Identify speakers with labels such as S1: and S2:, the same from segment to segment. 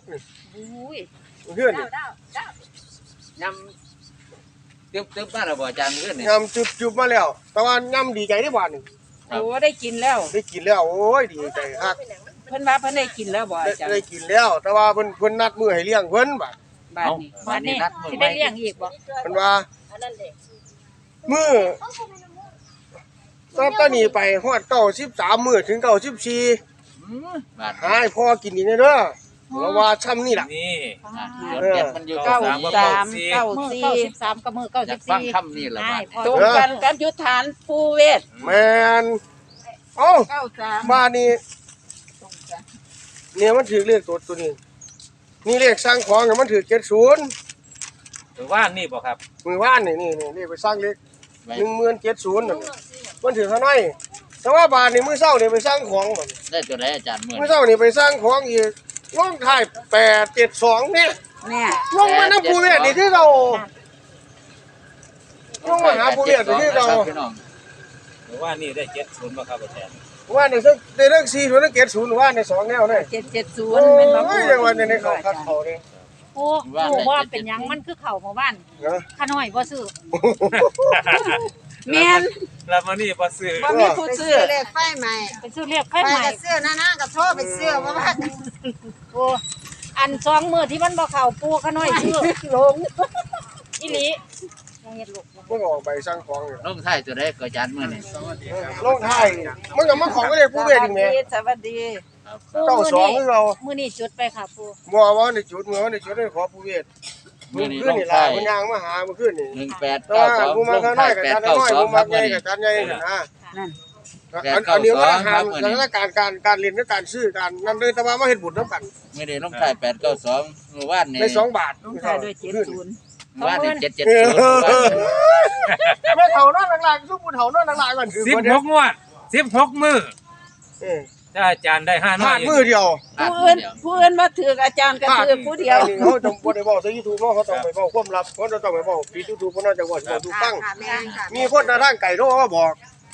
S1: กนี่
S2: อุ้ย
S1: เพื่อนนี่
S3: ยำตึ๊บมาแล้วบ่อาจารย์เพื่อนนี่
S1: ยำจุบมาแล้ว แต่ว่ายำดีใจได้บ้านนี่
S2: โอ้ได้กินแล้ว
S1: ได้กินแล้วโอ้ยดีใจคัก
S2: เพิ่นว่าเพิ่นได้กินแล้วบ่อาจารย์
S1: ได้กินแล้ว แต่ว่าเพิ่นนัดมื้อให้เลี้ยงเพิ่นบัด
S2: บ้านนี้สิได้เลี้ยงอีกบ่
S1: เพิ่นว่ามื้อตอนนี้ไปฮอด93มื้อถึง94
S3: บาท
S1: หาให้พ่อกินอีกเด้อเพราะว่าช่ำนี่ล่ะ
S4: นี่
S3: เดี๋ยวมันอยู่
S2: เก้า
S3: สาม
S2: สามเก้า
S5: มือ
S2: สี่
S5: 93กับมือ
S3: อยากฟัง
S5: 94
S3: คำนี้แหละบาท
S2: ตรงกันกับยุทธฐานภูเวศ
S1: แม่นเอ้า
S2: 93
S1: บ้านนี้เนี่ยมันถือเลขตัวนี้นี่เลขสร้างของเนี่ยมันถือ70
S4: หรือว่านี่บ่ครับ
S1: มือว่านนี่เลขไปสร้างเลข1070นั่นมันถือเท่าไหร่แต่ว่าบาทนี่มื้อเช้านี่ไปสร้างของบัด
S3: ได้ตัวไหนอาจารย์เมื่อ
S1: มื้อเช้านี่ไปสร้างของอีกลงท้าย872เนี่ย
S2: เนี่ย
S1: ลงมาน้ำภูเวศนี่ที่เราลงมาหาภูเวศนี่ที่เรา
S3: พี่น้อง
S4: หรือว่านี่ได้70บ่ครับอาจารย์
S1: ว่าในเรื่อง4ถึง70ว่าใน2แนวเลย
S2: 770เป็นบ่
S1: โอ้ยยังว่าในเขาคัดเขาเนี่ย
S5: ปูว่าเป็นหยังมันคือเข้าหมู่บ้าน
S1: นะ
S5: ขาน้อยบ่ซื้อ
S2: แม่น
S4: แล้วมื้อนี้บ่ซื้อ
S2: บ่มีผู้ซื้อ
S6: เลขไฟใหม่
S5: ไปซื้อเรียกไฟ
S6: ไป
S5: ใหม่
S6: กับเสื้อหน้ากับโทษไปเสื้อมาบ้าน
S5: ปูอัน2มื้อที่มันบ่เข้าปูขาน้อยซื้อลงอีหลียังเฮ็ดลูก
S1: มันออกไปสร้างของอยู่
S3: ลงท้ายตัวไหนก็อาจารย์เมื่อนี่
S1: ลงท้ายมันก็มาของก็เลยภูเวศอีกแหม
S2: สวัสดี
S3: ครับ
S5: ปู
S1: 92คือเรา
S5: มื้อนี้จุดไปค่ะปู
S1: บ่ว่าในจุดเมื่อในจุดได้ขอภูเวศ
S3: มื่อนี้
S1: ขึ้
S3: ล
S1: น
S3: ง
S1: นี่ล่ะ
S3: ท้าย
S1: มันยางมาหามันขึ้นนี่
S3: 1892
S1: แต่ว่าผู้มา
S3: ลง
S1: ข้างน้
S3: ท้า
S1: อย ยกับจานน้อยผู้
S3: 892ค
S1: มา
S3: รับ
S1: ใหญ่
S3: เมื่อนี้
S1: กับจานใหญ่นะ
S2: นั่น
S1: อันนี้ว่าหาม
S3: 892
S1: สถานการเรียนและการซื้อการนั่นเลยแต่ว่ามาเฮ็ดบุญนํกัน
S3: ไม่ได้ลงท้าย892เมื่อวานนี่
S1: ได้2 บาท
S2: ลงท้ายด้วย70
S3: เมื่อวานนี่770
S1: แม่เฒ่านอนหลังๆซุผู้เฒ่านอนหลังๆกันคือ
S4: 16งวด16มื้อ
S1: เออ
S4: ถ้าอาจารย์ได้5
S1: พ
S4: น้อ
S1: ลาย ดมือเดียว
S2: ผู้อื่นมาถืออาจารย์ก็ถือผู้เดียว
S1: อันนี้เขาต้องบ่ได้บอกใส่ YouTube เนาะเขาต้องไปบอกความลับเขาต้องไปบอกปิด YouTube เพราะน่าจะว่าสิถูกตั้ง
S6: ค่ะแม่ค่ะ
S1: มีคนทางไก่โทรมาบอก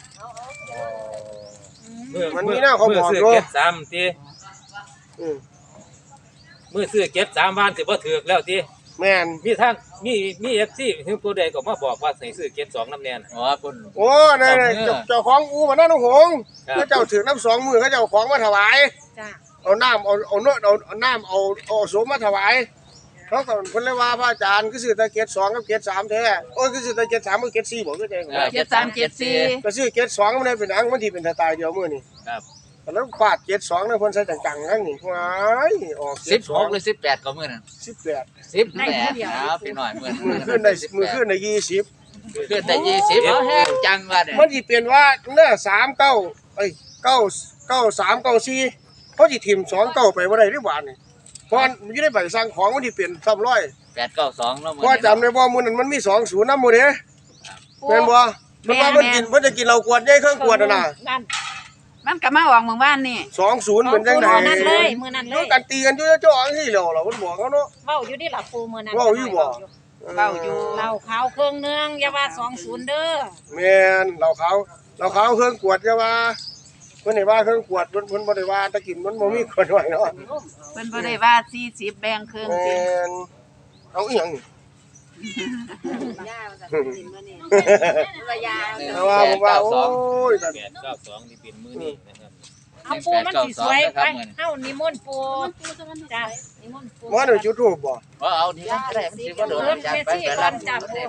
S1: มันมีหน้าเขาบอก
S4: มื้
S1: อยู่
S4: ซื้อ73ติ
S1: อืม
S4: มื้อซื้อ73บ้านสิบ่ถูกแล้วติ
S1: แม่น
S4: มีท่านมี FC ถึงผู้ใดก็มาบอกว่าให้ซื้อ72นำแน่น
S3: อ๋อเพิ่น
S1: โอ้นั่นเจ้าของอู่บ้านน้องหงส์
S4: ครับ
S1: เขาเจ้าถือน้ำ2 มื้อเขาเจ้าของมาถวาย
S5: จ้า
S1: เอาน้ำเอาน้ำเอาโสมมาถวายเขาก็เพิ่นเลยว่าพระอาจารย์คือซื้อแต่เกต2กับเกต3แท้โอ้ยคือซื้อแต่เกต3กับเกต4บ่คือจัง
S2: 7374
S1: ก็ซื้อเกต2มันได้เป็นหยังมันสิเป็นสไตล์เดียวมื้อนี้
S3: ครับ
S1: แล้วฟาดเกต2นั่นเพิ่นใส่จังๆทั้งนี้ว้ายออกเกต
S3: 16หรือ18ก็มื้อนั้น
S1: 18
S3: 18ครับพี่น้อยมื้อ
S1: มือขึ้นได้มือขึ้นได้20
S3: ขึ้นได้20เอาแห้งจังว่าเนี่ย
S1: มันสิเปลี่ยนว่าเด้อ39เอ้ย93 94เขาสิทิ่ม29ไปบ่ได้หรือบ่านี่เพราะมันอยู่ในใบสั่งของมันสิเปลี่ยน300
S3: 892แล้วมื้อ
S1: เพราะจำได้บ่มื้อนั้นมันมี20นำหมู่เด้แม่นบ่มันว่ามันกินเพิ่นจะกินเหล้ากวดใหญ่เครื่องกวดน่ะนะ
S5: นั่น
S2: มันก็มาออกหมู่บ้านนี่
S1: 20เป็นจังได๋
S5: มื้อนั้นเลยมื้อนั้นเล
S1: ดู
S5: ย
S1: กันตีกันอยู่จ่อจังซี่แล้วล่ะเพิ่นบอกเขาเนาะ
S5: เว้าอยู่ดิล่ะปูมื้อนั้น
S1: เว้าอยู่บ่
S2: เว้าอยู่
S5: เหล้าขาวเครื่องนึงอย่าว่า20เด้อ
S1: แม่นเหล้าขาวเครื่องกวดจะว่าเพิ่นให้ว่าเครื่องกวดเพิ่นบ่ได้ว่าแตะกินมันบ่มีคนว่าเนาะ
S2: เพิ่นบ่ได้ว่า40แบ่งครึ่ง
S1: แม่
S2: สิ
S1: นเอาอีหยังนี่
S6: ย่ามาจากดินมานี่ว่ายา
S1: แต่ว่าผมว่าโอ้ย
S4: 892นี่เป็นมื้อนี้นะครับ
S5: เอาปูมันสิสวยไปเฮานิมนต์ปูจ้านิมนต์ปู
S1: ว่าได้จุดทูปบ่
S3: ว่าเอาที่นั่นก็ได้มันสิบ่โดนอาจารย์ไปไปรัด